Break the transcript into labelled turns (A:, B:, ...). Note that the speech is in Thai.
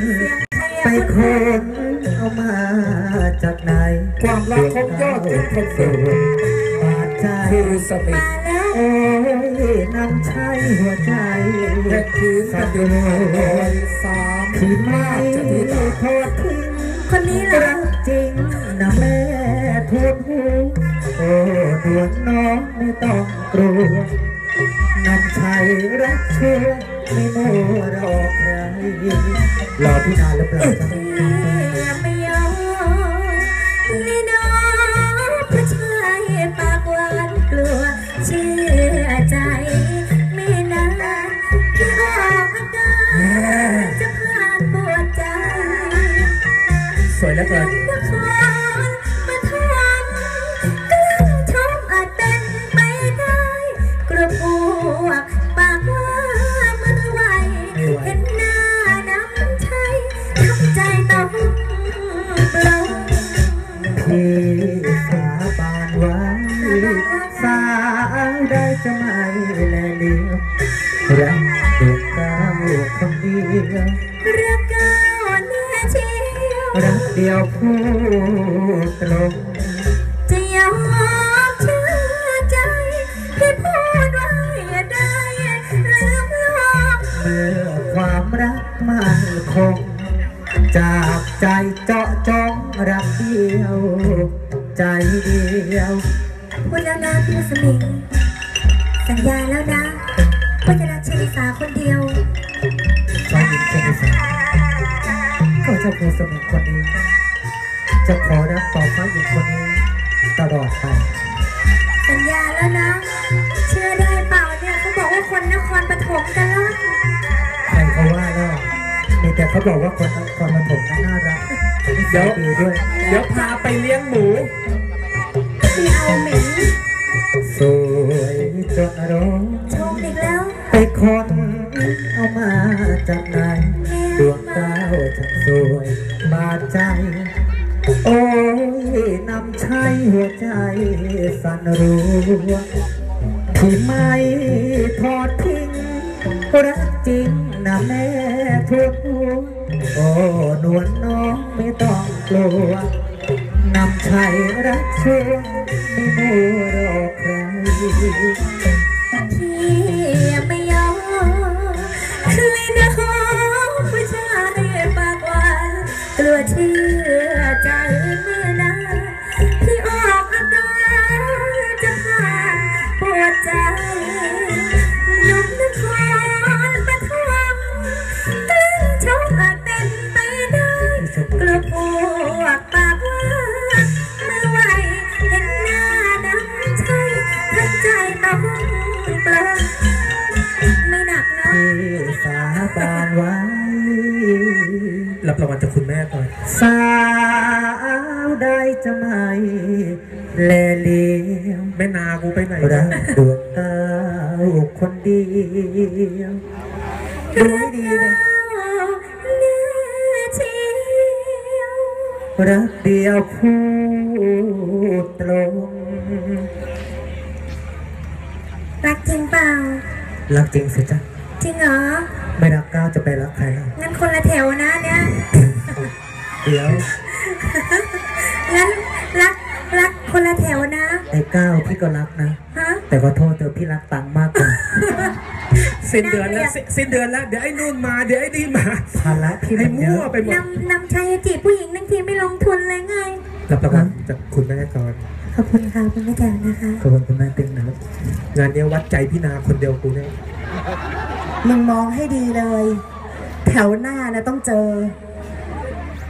A: ไปคนเอามาจากไหน
B: ความรักของยอดที่คนสูง
A: บาดใจ
B: สมิธ
A: โอ้ยน้ำใช้หัวใจ
B: แค่คืนสัตว์อยู่ในสาม
A: ที่ไม่ทอดทิ้ง
C: คนนี้
A: รักจริงนะแม่ทุกหูโอ้ดวงน้องไม่ต้องกลัวน้ำใช้รักเชื่อไม่มัวรอใครรอพี่นานหรือเปล่าจ๊ะ
C: ไม่ยอมนี่น้องผู้ชายปากหวานกลัวเชื่อใจไม่นานที่ออกอาการจะผ่านปวดใจ
B: สวยแล้วเกิน
C: มาทำกล้าชมอาจเป็นไปได้กลัวพวกปากว่ามือไวเห็นหน้าน้ำใจทำใจต้องเปล่า
A: พี่สาบานไว้สาวได้จะไม่แลเลี้ยวรักดวงดาวคนเดียว
C: รักก้าวแน่เชียว
A: รักเดียวพูดตรง
C: จะยอมเชื่อใจที่พูดไว้ได้ลืมลง
A: เมื่อความรักมันคงจากใจเจาะจงรักเดียวใจเดียว
C: พูดแล้วนะพี่สมิงสัญญาแล้วนะว่าจะรักชลิสาคนเดียว
A: ฟ้าหญิงชลิสาก็เจ้าผู้สมิงคนนี้จะขอรักต่อฟ้าหญิงคนนี้ตลอดไป
C: สัญญาแล้วนะเชื่อได้เปล่าเนี่ยเขาบอกว่าคนนครปฐมกันแล้ว
A: ใครเขาว่าแล้วมีแต่เขาบอกว่าคนนครปฐมน่ารัก
B: เดี๋ยวพาไปเลี้ยงหมู
C: ไม่เอาเหม็น
A: สวยจนร้อง
C: ชมอีกแล้ว
A: ไปคนเอามาจากไหนดวงดาวช่างสวยบาดใจโอ้ยน้ำใช้หัวใจสั่นรัวที่ไม่ทอดทิ้งรักจริงนะแม่ทุกหัวโอ้นวลน้องไม่ต้องกลัวนำชัยรักเชื่อไม่มัวรอใคร
C: พี่ไม่ยอมเลยนะผู้ชายปากหวานกลัวเชื่อใจเมื่อนานที่ออกอาการจะผ่านปวดใจนุ่มนครปฐมกลิ้งชมอาจเป็นไปได้กลัวพวกปากว่าเมื่อไหวเห็นหน้าน้ำใจทั้งใจต้องเปล่าไม่หนักนะ
A: ที่สาบานไว้
B: รับรางวัลจากคุณแม่ก่อน
A: สาวได้จะไม่แลเลี้ยว
B: แม่นากูไปไหน
A: รักดวงดาวคนเดียวดูให้ดีเลยรักเดียวพูดตรง
C: รักจริงเปล่า
A: รักจริงสิจ๊ะ
C: จริงเหรอ
A: ไม่รักก้าวจะไปรักใครล่ะ
C: งั้นคนละแถวนะเนี่ย
A: เดี๋ยว
C: งั้นรักคนละแถวนะ
A: ไอ้ก้าวพี่ก็รักนะแต่ขอโทษเธอพี่รักตังมากกว่า
B: สิ้นเดือนแล้วเดี๋ยวไอ้นู่นมาเดี๋ยวไอ้นี่มา
A: ภาระพี่
B: ให้มั่วไปหมด
C: นำชัยจีบผู้หญิงนั่งทีไม่ลงทุนเลยไง
B: รับรางวัลจากคุณแม่ก่อน
C: ขอบคุณค่ะคุณแม่แก้วนะคะ
A: ขอบคุณคุณแม่ติ๊งนะ
B: งานนี้วัดใจพี่นาคนเดียวกูเนี่ย
D: มึงมองให้ดีเลยแถวหน้านะต้องเจอ